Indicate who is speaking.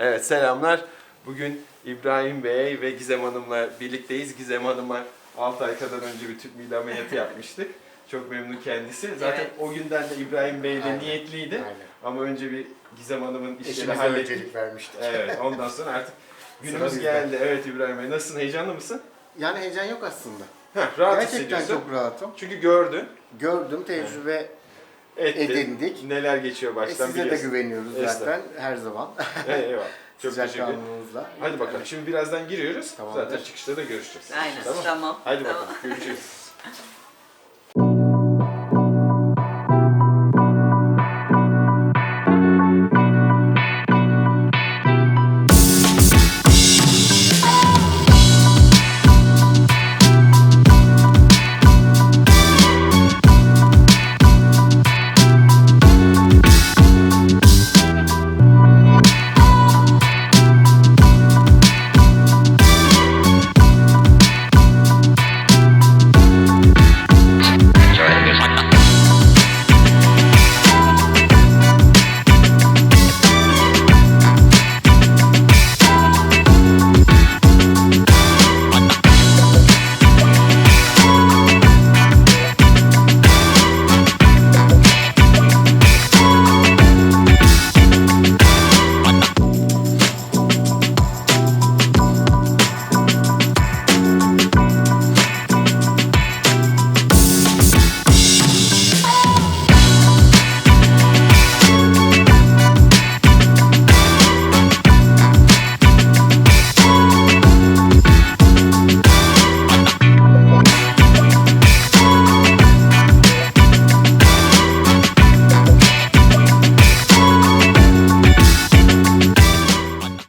Speaker 1: Evet, selamlar. Bugün İbrahim Bey ve Gizem Hanım'la birlikteyiz. Gizem Hanım'a 6 ay kadar önce bir tüp mide ameliyatı yapmıştık. Çok memnun kendisi. Zaten
Speaker 2: Evet.
Speaker 1: o günden de İbrahim Bey de
Speaker 3: Aynen.
Speaker 1: niyetliydi.
Speaker 3: Aynen.
Speaker 1: Ama önce bir Gizem Hanım'ın işleri
Speaker 3: Eşimize
Speaker 1: hallettik.
Speaker 3: öncelik vermiştik.
Speaker 1: Evet, ondan sonra artık günümüz
Speaker 3: bizde.
Speaker 1: geldi. Evet İbrahim Bey, nasılsın? Heyecanlı mısın?
Speaker 3: Yani heyecan yok aslında.
Speaker 1: Rahat
Speaker 3: Gerçekten
Speaker 1: hissediyorsun.
Speaker 3: çok rahatım.
Speaker 1: Çünkü gördün,
Speaker 3: Gördüm, tecrübe
Speaker 1: ettin.
Speaker 3: edindik.
Speaker 1: Neler geçiyor baştan
Speaker 3: Size de
Speaker 1: biliyorsun.
Speaker 3: güveniyoruz zaten her zaman.
Speaker 1: Eyvallah. Çok teşekkür ederim.
Speaker 3: Sıcakkanlılığınızla.
Speaker 1: Hadi bakalım. Şimdi birazdan giriyoruz.
Speaker 3: Tamamdır.
Speaker 1: Zaten çıkışta da görüşeceğiz.
Speaker 2: Aynen, tamam.
Speaker 1: Hadi
Speaker 2: Tamam.
Speaker 1: bakalım. Görüşürüz.